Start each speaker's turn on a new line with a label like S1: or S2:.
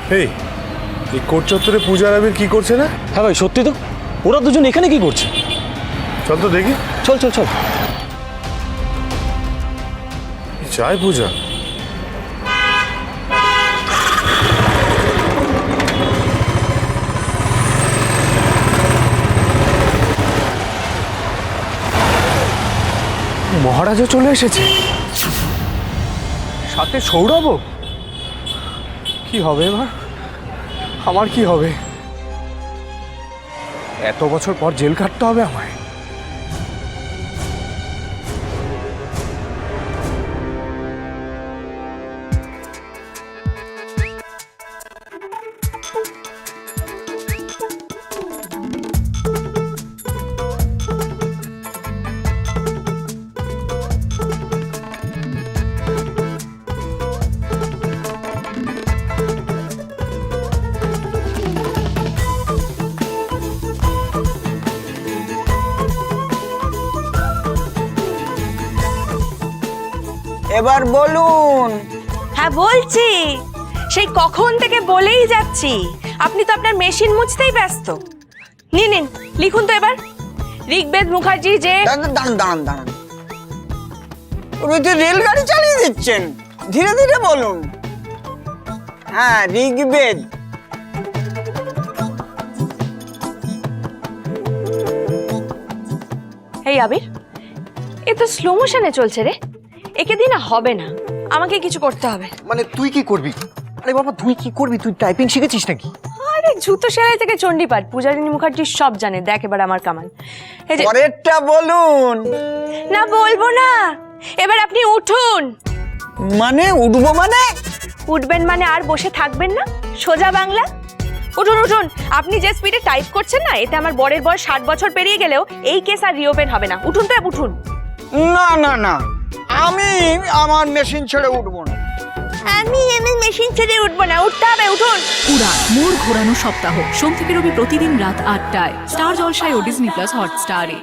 S1: এই এই কোট চত্বরে পূজার আবির কি করছে না?
S2: হ্যাঁ ভাই সত্যি তো, ওরা দুজন এখানে কি করছে?
S1: চল তো দেখি।
S2: চল চল চল।
S1: চাই পূজা।
S3: মহারাজও চলে এসেছে, সাথে সৌরভও। কি হবে এবার? আমার কি হবে? এত বছর পর জেল কাটতে হবে আমায়।
S4: এবার বলুন।
S5: হ্যাঁ বলছি, সেই কখন থেকে বলেই যাচ্ছি, আপনি তো আপনার মেশিন মুছতেই ব্যস্ত। নিন নিন, লিখুন তো এবার। ঋগ্বেদ মুখার্জি যে
S4: দাঁড়ান দাঁড়ান দাঁড়ান দাঁড়ান, উনি তো রেলগাড়ি চালিয়ে দিচ্ছেন, ধীরে ধীরে বলুন। হ্যাঁ, ঋগ্বেদ।
S5: এই আবির, এ তো স্লো মোশনে চলছে রে, একে দিয়ে না হবে না, আমাকে কিছু করতে হবে।
S3: মানে তুই কি করবি? আরে বাবা তুই কি করবি? তুই টাইপিং শিখেছিস নাকি?
S5: আরে জুতো সেলাই থেকে চণ্ডীপাঠ, পূজারিনী মুখার্জি সব জানে। দেখ এবার আমার কামাল। এই যে
S4: পরেরটা বলুন।
S5: না বলবো না, এবার আপনি উঠুন।
S4: মানে উঠবো মানে?
S5: উঠবেন মানে আর বসে থাকবেন না, সোজা বাংলা। উঠুন উঠুন, আপনি যে স্পিডে টাইপ করছেন না, এতে আমার বরের বয়স 60 বছর পেরিয়ে গেলেও এই কেস আর রিওপেন হবে না। উঠুন তো, উঠুন।
S4: না না না, আমি আমার মেশিন ছেড়ে উঠবো না।
S5: আমি মেশিন ছেড়ে উঠবো না, উঠতে হবে, উঠুন।
S6: উড়ান মোড় ঘোরানো সপ্তাহ, সোম থেকে রবি প্রতিদিন রাত ৮টায় স্টার জলসায় ও ডিজনি প্লাস হটস্টারে।